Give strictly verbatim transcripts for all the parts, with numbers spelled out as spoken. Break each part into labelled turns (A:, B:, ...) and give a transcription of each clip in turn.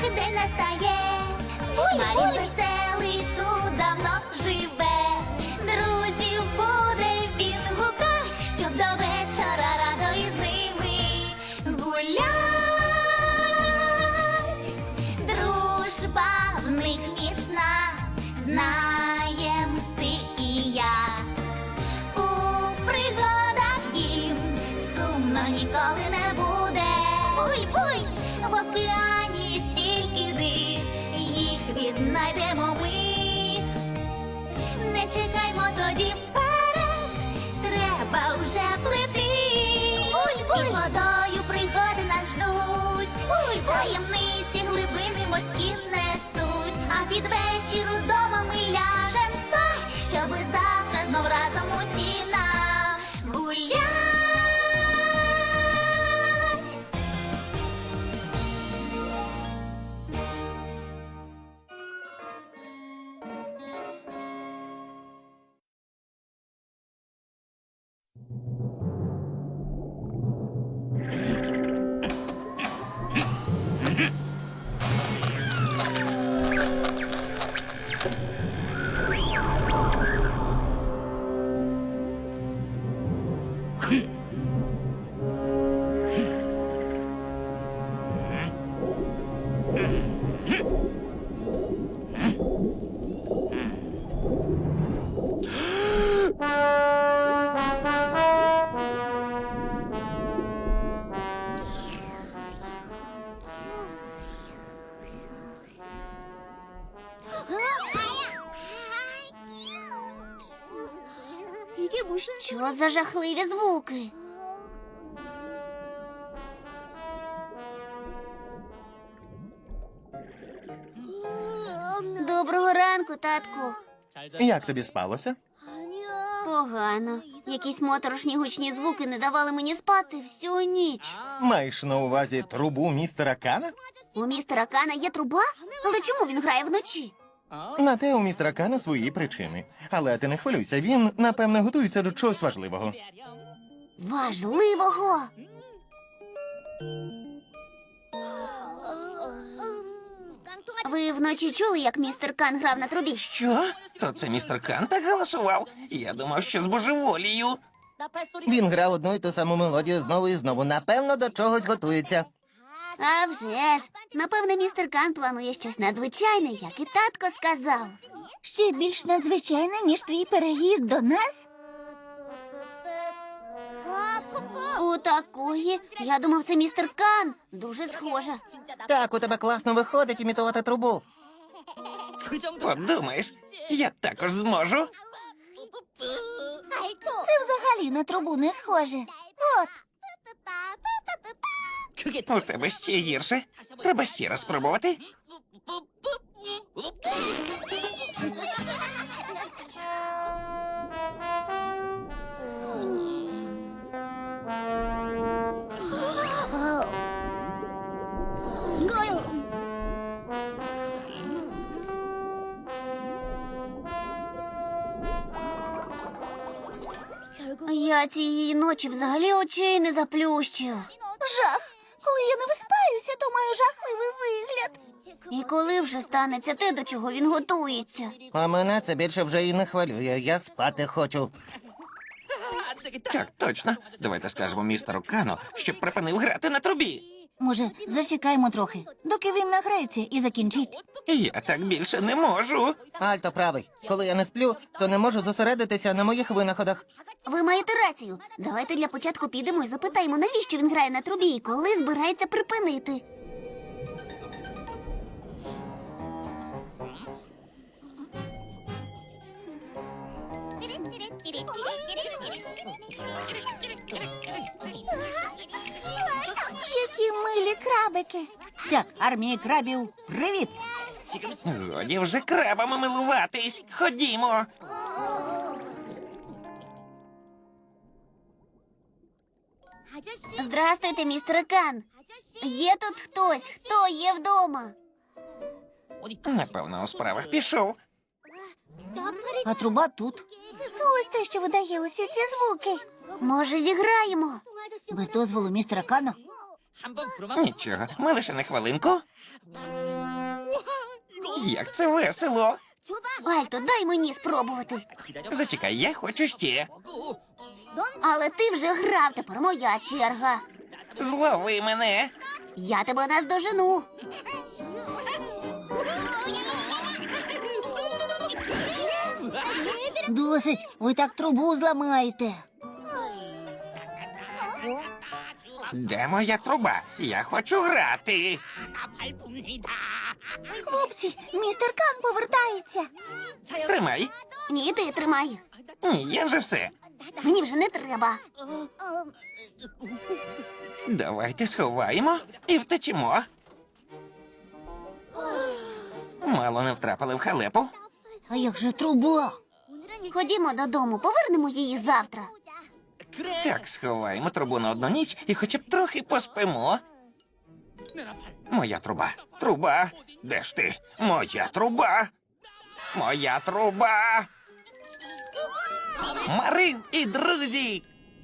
A: день настає. Марін веселий тут давно живе. Друзів буде він гукать, щоб до вечора радо із ними гулять. Дружба в них міцна, знаєм ти і я. У пригадах їм сумно ніколи не буде. Буй-буй! В океані стільки див, їх віднайдемо ми. Не чекаймо тоді вперед, треба вже плити. Буль-буль! І водою пригоди нас ждуть. Буль-буль! Таємниці глибини морські несуть. А під вечір удома ми ляжем спать, щоби завтра знов разом усі нагулять. Що за жахливі звуки? Доброго ранку, татку.
B: Як тобі спалося?
A: Погано. Якісь моторошні гучні звуки не давали мені спати всю ніч.
B: Маєш на увазі трубу містера Кана?
A: У містера Кана є труба? Але чому він грає вночі?
B: На те у містера Кана свої причини. Але ти не хвилюйся, він, напевне, готується до чогось важливого.
A: Важливого? Ви вночі чули, як містер Кан грав на трубі?
C: Що? То це містер Кан так галасував? Я думав, що з божеволію.
B: Він грав одну і ту саму мелодію знову і знову. Напевно, до чогось готується.
A: А вже ж. Напевне, містер Кан планує щось надзвичайне, як і татко сказав.
D: Ще більш надзвичайне, ніж твій переїзд до нас?
A: У такої? Я думав, це містер Кан. Дуже схоже.
B: Так, у тебе класно виходить імітувати трубу.
C: Подумаєш, я також зможу.
D: Це взагалі на трубу не схоже. От,
C: У тебе ще гірше. Треба ще раз спробувати.
A: Я цієї ночі взагалі очей не заплющив.
D: жах. Коли я не виспаюся, то маю жахливий вигляд.
A: І коли вже станеться те, до чого він готується?
B: А мене це більше вже і не хвилює. Я спати хочу.
C: Так, точно. Давайте скажемо містеру Кану, щоб припинив грати на трубі.
D: Може, зачекаємо трохи, доки він награється і закінчить.
C: Я так більше не можу.
B: Альто правий. Коли я не сплю, то не можу зосередитися на моїх винаходах.
A: Ви маєте рацію. Давайте для початку підемо і запитаємо, навіщо він грає на трубі і коли збирається припинити.
D: Які милі крабики. Так, армія крабів, привіт.
C: Годі вже крабами милуватись. Ходімо.
A: Здрастуйте, містер Кан. Є тут хтось, хто є вдома?
C: Напевно, у справах пішов.
D: А труба тут. Ось те, що видає усі ці звуки.
A: Може, зіграємо?
D: Без дозволу містера Кана.
C: Нічого, ми лише на хвилинку. Як це весело.
A: Альто, дай мені спробувати.
C: Зачекай, я хочу ще.
A: Але ти вже грав, тепер моя черга.
C: Злови мене.
A: Я тебе наздожену.
D: Досить, ви так трубу зламаєте.
C: Де моя труба? Я хочу грати.
D: Хлопці, містер Кан повертається.
C: Тримай.
A: Ні, ти тримай.
C: Ні, я вже все.
A: Мені вже не треба.
C: Давайте сховаємо і втечемо. Мало не втрапили в халепу.
D: А як же труба?
A: Ходімо додому, повернемо її завтра.
C: Так, сховаємо трубу на одну ніч і хоча б трохи поспимо. Моя труба. Труба. Де ж ти? Моя труба. Моя труба. Марин і друзі.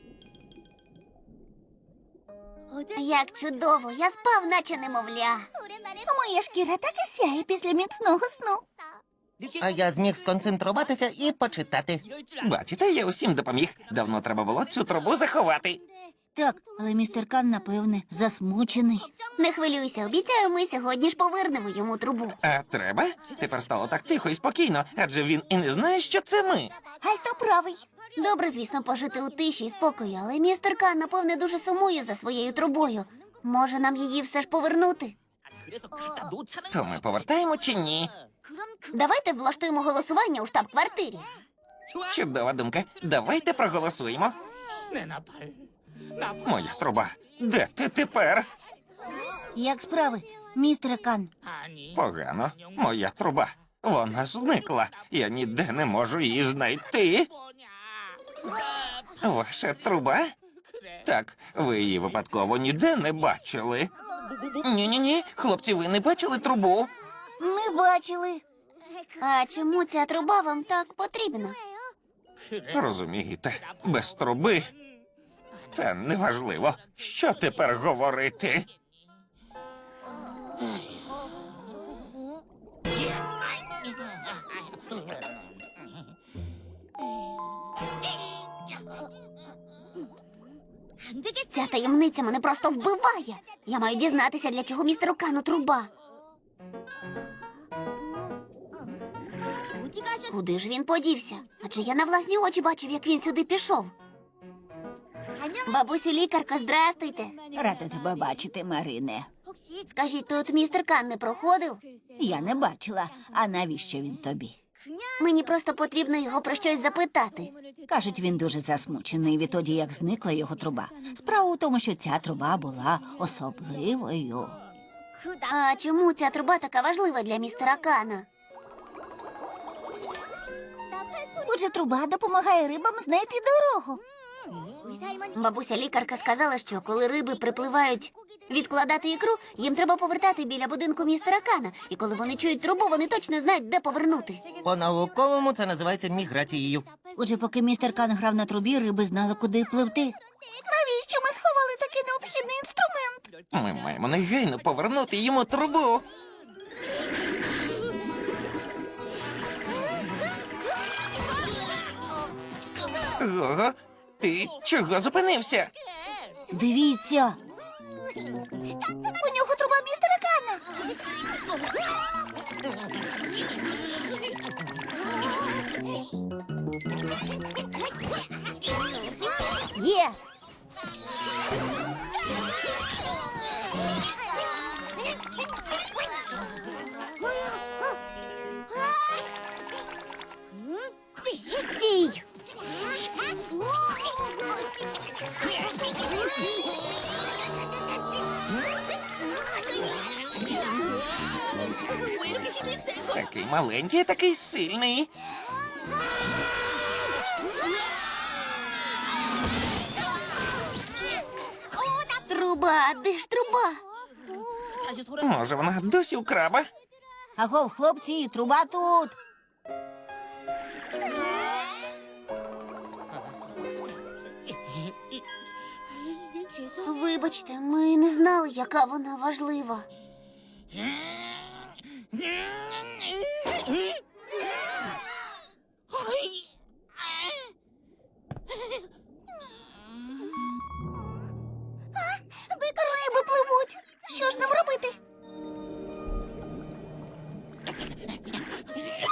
A: Як чудово, я спав, наче немовля.
D: Моя шкіра так і сяє після міцного сну.
B: А я зміг сконцентруватися і почитати.
C: Бачите, я усім допоміг. Давно треба було цю трубу заховати.
D: Так, але містер Кан, напевне, засмучений.
A: Не хвилюйся, обіцяю, ми сьогодні ж повернемо йому трубу.
C: А треба? Тепер стало так тихо і спокійно, адже він і не знає, що це ми.
D: Альто правий.
A: Добре, звісно, пожити у тиші і спокої, але містер Кан, напевне, дуже сумує за своєю трубою. Може, нам її все ж повернути?
C: То ми повертаємо чи ні?
A: Давайте влаштуємо голосування у штаб-квартирі.
C: Чудова думка. Давайте проголосуємо. Моя труба. Де ти тепер?
D: Як справи, містере Кан?
C: Погано. Моя труба. Вона зникла. Я ніде не можу її знайти. Ваша труба? Так, ви її випадково ніде не бачили. Ні-ні-ні, хлопці, ви не бачили трубу?
D: Не бачили.
A: А чому ця труба вам так потрібна?
C: Розумієте, без труби. Та неважливо, що тепер говорити.
A: Ця таємниця мене просто вбиває. Я маю дізнатися, для чого містеру Кану труба. Куди ж він подівся? Адже я на власні очі бачив, як він сюди пішов. Бабусю лікарка, здрастуйте.
D: Рада тебе бачити, Марине.
A: Скажіть, тут містер Кан не проходив?
D: Я не бачила. А навіщо він тобі?
A: Мені просто потрібно його про щось запитати.
D: Кажуть, він дуже засмучений відтоді, як зникла його труба. Справа у тому, що ця труба була особливою.
A: А чому ця труба така важлива для містера Кана?
D: Отже, труба допомагає рибам знайти дорогу.
A: Бабуся лікарка сказала, що коли риби припливають відкладати ікру, їм треба повертати біля будинку містера Кана. І коли вони чують трубу, вони точно знають, де повернути.
B: По-науковому це називається міграцією.
D: Отже, поки містер Кан грав на трубі, риби знали, куди пливти. Навіщо ми сховали такий необхідний інструмент?
C: Ми маємо негайно повернути йому трубу. Гого, ти чого зупинився?
D: Дивіться. У нього труба містера Кана.
A: Є! Стій!
C: Такий маленький, такий сильний.
A: Труба, де ж труба?
C: Може, вона досі у краба?
D: Агов, хлопці, труба тут.
A: Вибачте, ми не знали, яка вона важлива.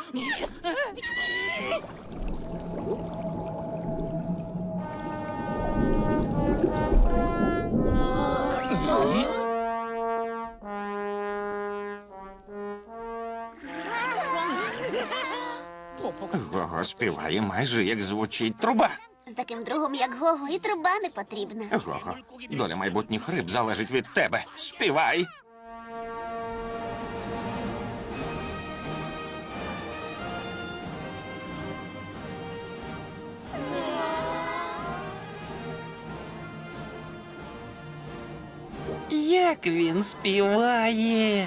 C: Гого співає майже як звучить труба.
A: З таким другом, як Гого, і труба не потрібна.
C: Гого, доля майбутніх риб залежить від тебе. Співай. Як він співає.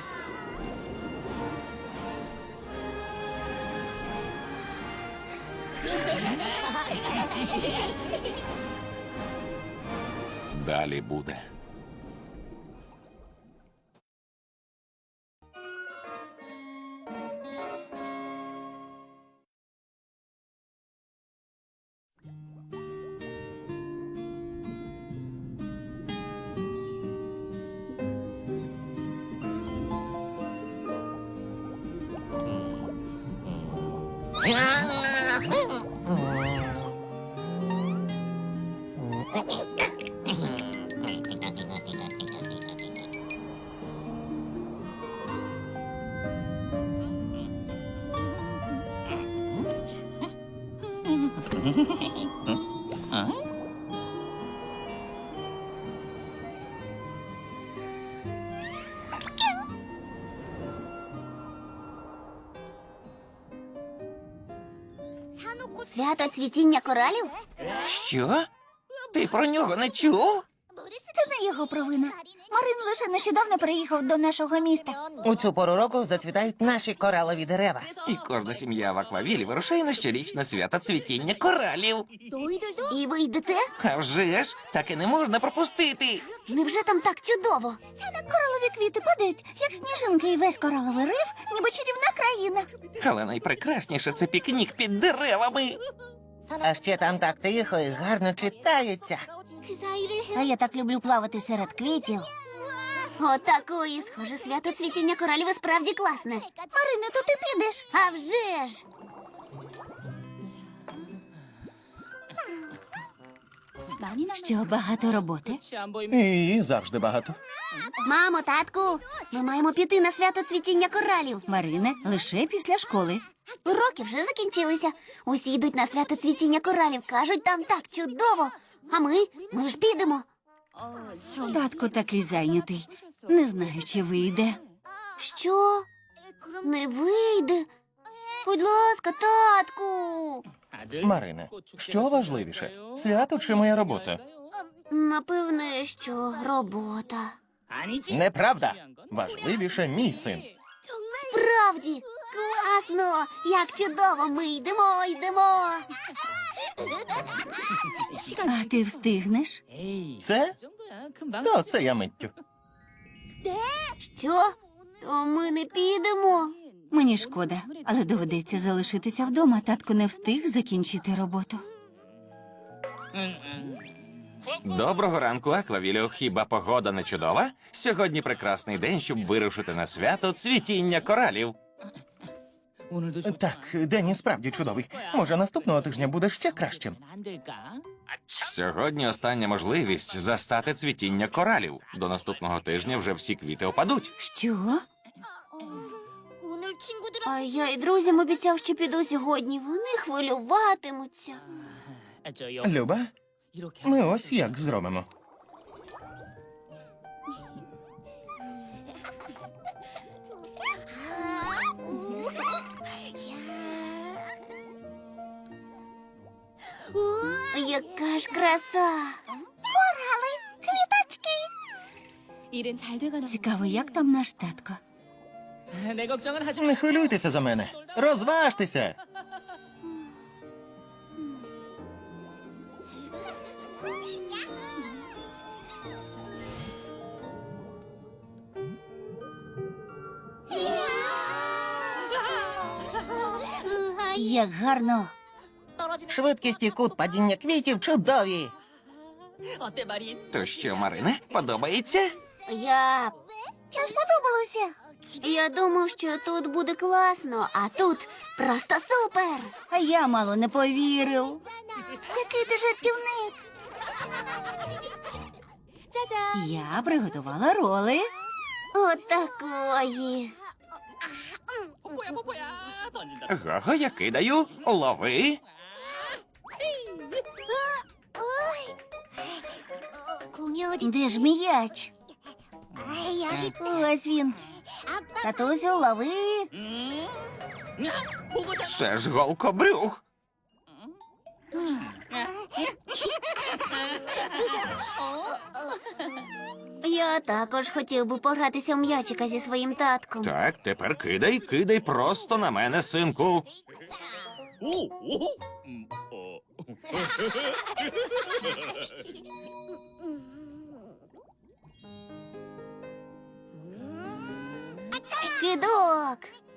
C: Далі буде.
A: Свято цвітіння коралів?
C: Що? Ти про нього не чув?
D: Це не його провина. Марин лише нещодавно приїхав до нашого міста.
E: У цю пору року зацвітають наші коралові дерева.
C: І кожна сім'я в Аквавілі вирушає на щорічне свято цвітіння коралів.
A: І ви йдете?
C: А вже ж, так і не можна пропустити.
A: Невже там так чудово?
D: Коралові квіти падають, як сніжинки, і весь кораловий риф, ніби чарівна країна.
C: Але найпрекрасніше це пікнік під деревами.
E: А ще там так тихо і гарно читається.
D: А я так люблю плавати серед квітів.
A: Отакої, схоже, свято цвітіння коралів і справді класне.
D: Марине, то ти підеш?
A: А вже ж!
D: Що, багато роботи?
B: І завжди багато.
A: Мамо, татку, ми маємо піти на свято цвітіння коралів.
D: Марине, лише після школи.
A: Уроки вже закінчилися. Усі йдуть на свято цвітіння коралів. Кажуть, там так чудово. А ми? Ми ж підемо.
D: Татко такий зайнятий. Не знаю, чи вийде.
A: Що? Не вийде? Будь ласка, татку.
B: Марине, що важливіше? Свято чи моя робота?
A: Напевне, що робота.
B: Неправда. Важливіше мій син.
A: Справді, класно! Як чудово! Ми йдемо, йдемо.
D: А ти встигнеш?
B: Це? То це я миттю.
A: Що? То ми не підемо.
D: Мені шкода, але доведеться залишитися вдома. Татко не встиг закінчити роботу.
C: Доброго ранку, Аквавілю. Хіба погода не чудова? Сьогодні прекрасний день, щоб вирушити на свято цвітіння коралів.
B: Так, день і справді чудовий. Може, наступного тижня буде ще кращим.
C: Сьогодні остання можливість застати цвітіння коралів. До наступного тижня вже всі квіти опадуть.
D: Що?
A: А я і друзям обіцяв, що піду сьогодні. Вони хвилюватимуться.
B: Люба, ми ось як зробимо.
A: Яка ж краса!
F: 일은 잘 돼가나
D: Цікаво, як там наш татко?
F: 내 걱정은 하지
B: Не хвилюйтеся за мене. Розважтеся.
D: Як гарно.
E: Швидкість і кут падіння квітів чудові.
C: То що, Марине, подобається?
A: Я
D: Не сподобалося.
A: Я думав, що тут буде класно, а тут просто супер.
D: А я мало не повірив. Який ти жартівник.
F: 짜잔.
D: Я приготувала роли.
A: Отакої.
C: Гого, я кидаю. Лови.
D: Де ж м'яч? Ось він. Татусю, лови.
C: Це ж голкобрюх.
A: Я також хотів би погратися в м'ячика зі своїм татком.
C: Так, тепер кидай, кидай просто на мене, синку.
A: Кидок.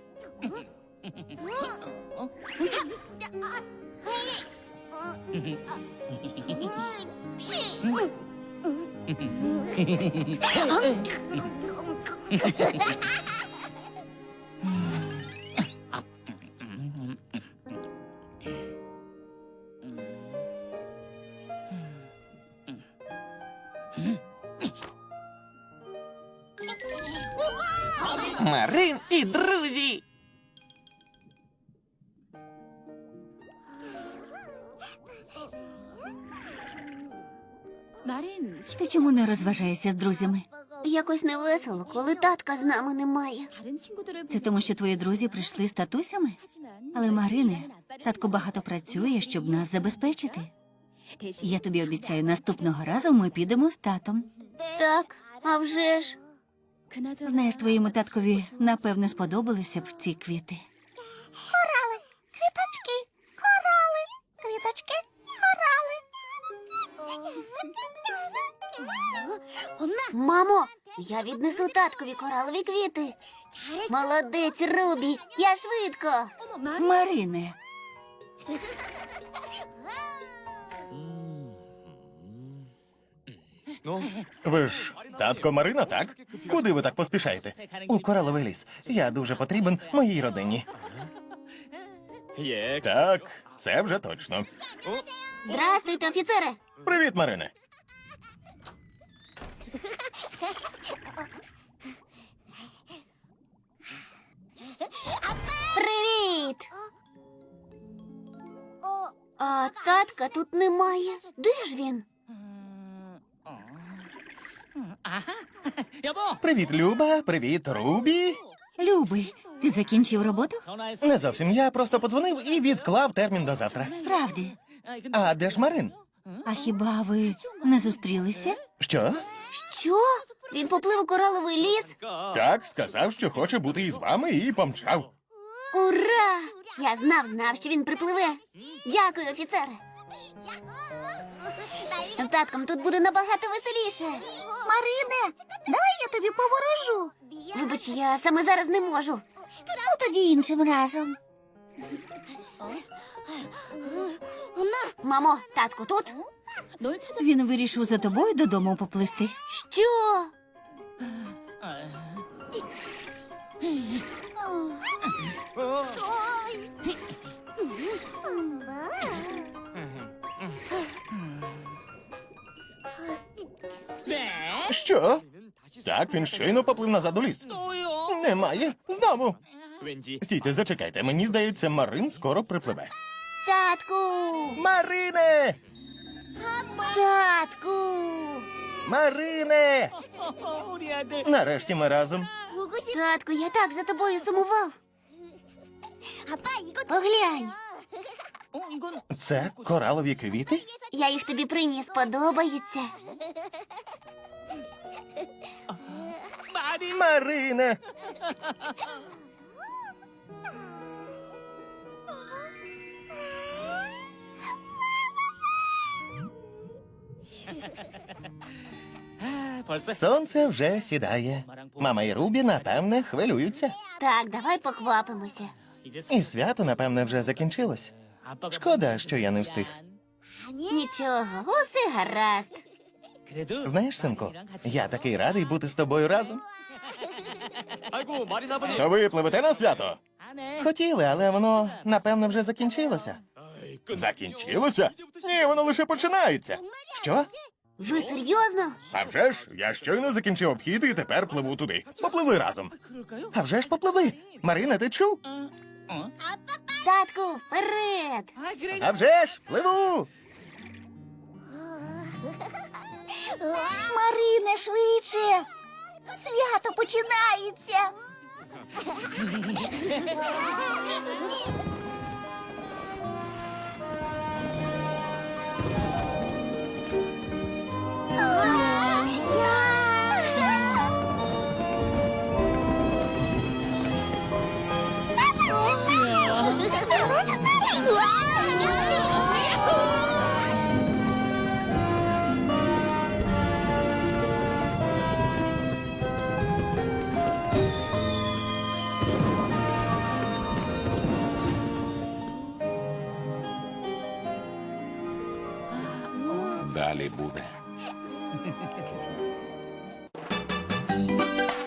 C: Марин і друзі.
F: 말은
D: Ти чому не розважаєшся з друзями?
A: Якось невесело, коли татка з нами немає.
F: 다른 친구들을
D: Це тому, що твої друзі прийшли з татусями? Але, Марине, татко багато працює, щоб нас забезпечити.
F: 대신
D: Я тобі обіцяю, наступного разу ми підемо з татом.
A: Так, а вже ж.
F: 그나저나
D: Знаєш, твоєму таткові напевно сподобалися б ці квіти. Корали, квіточки, корали, квіточки, корали.
A: Мамо, я віднесу таткові коралові квіти. Молодець, Рубі, я швидко.
F: 어머 말
D: Марине,
B: Ви ж татко Марина, так? Куди ви так поспішаєте? У кораловий ліс. Я дуже потрібен моїй родині. Так, це вже точно.
A: Здрастуйте, офіцере.
B: Привіт, Марине.
A: Привіт. А татка тут немає. Де ж він?
B: Привіт, Люба. Привіт, Рубі.
D: Любий, ти закінчив роботу?
B: Не зовсім. Я просто подзвонив і відклав термін до завтра.
D: Справді.
B: А де ж Марин?
D: А хіба ви не зустрілися?
B: Що?
A: Що? Він поплив у кораловий ліс?
B: Так, сказав, що хоче бути із вами, і помчав.
A: Ура! Я знав, знав, що він припливе. Дякую, офіцере. З татком тут буде набагато веселіше.
D: Марине, давай я тобі поворожу.
A: Вибач, я саме зараз не можу.
D: Ну тоді іншим разом.
A: Мамо, татко тут?
F: 널 찾아
D: Він вирішив за тобою додому поплисти.
A: Що?
B: Що? Так, він щойно поплив назад у ліс. Немає. Знову. Стійте, зачекайте. Мені здається, Марин скоро припливе.
A: Татку!
B: Марине!
A: Татку!
B: Марине! Нарешті ми разом.
A: Татку, я так за тобою сумував. Поглянь,
B: Це коралові квіти?
A: я їх тобі приніс, подобаються.
B: Марине! Сонце вже сідає. Мама і Рубі, напевне, хвилюються.
A: Так, давай поквапимося.
B: І свято, напевне, вже закінчилось. Шкода, що я не встиг.
A: Нічого, усе гаразд.
B: Знаєш, синку, я такий радий бути з тобою разом. То ви пливете на свято? Хотіли, але воно, напевно, вже закінчилося. Закінчилося? Ні, воно лише починається. Що?
A: Ви серйозно?
B: А вже ж, я щойно закінчив обхід і тепер пливу туди. Попливли разом. А вже ж попливли. Марина, ти чув?
A: Татку, вперед!
B: А вже ж, пливу.
D: Марине, швидше! Свято починається!
C: Далі буде.